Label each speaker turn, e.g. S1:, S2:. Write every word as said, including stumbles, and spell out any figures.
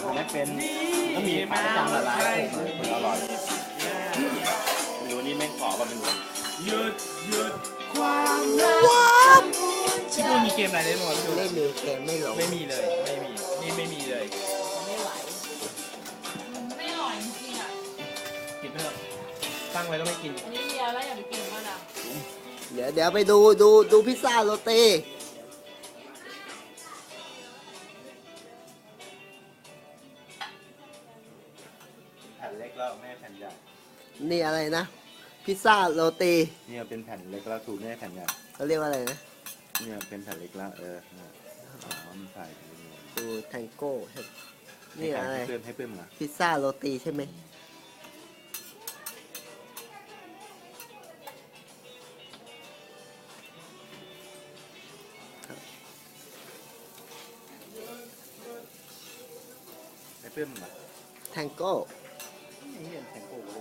S1: ไม่เป็นก็มีขายประจำหลายร้านมันอร่อยไม่รู้นี่แม่งขอแบบเป็นหยุดหยุดความรักที่ดูมีเกมอะไรเล่นบ้างดู
S2: ไม่มีเกมไม่ลง
S1: ไม่มีเลยไม่มีนี่ไม่มีเลย
S3: ไม่ไหวไม่อร่อยจริงๆอ่ะ
S1: กินเถอะตั้งไว้แล้วไม่กิน
S3: อันนี้เดียวแล้วอย่าไปกินก็นะ
S2: เดี๋ยวเดี๋ยวไปดูดูดูพิซซ่าโรตี
S1: แผ่นเล็กแล้วไม่ใช่แผ่นใหญ่
S2: นี่อะไรนะ พิซซ่าโรตี
S1: เนี่ยเป็นแผ่นเล็กแล้วถูกไม่ใช่แผ่นใหญ่
S2: เขาเรียกว่าอะไรนะ
S1: เนี่ยเป็นแผ่นเล็กแล้วเอออ๋อมันใส่
S2: ดูแทงโก้นี่อะไร
S1: ให้เพิ่มให้เพิ่มนะ
S2: พิซซ่าโรตีใช่ไหมครับ
S1: ให้เพิ่มนะ
S2: แทงโก้
S1: นี่เป็นแผ่นโก้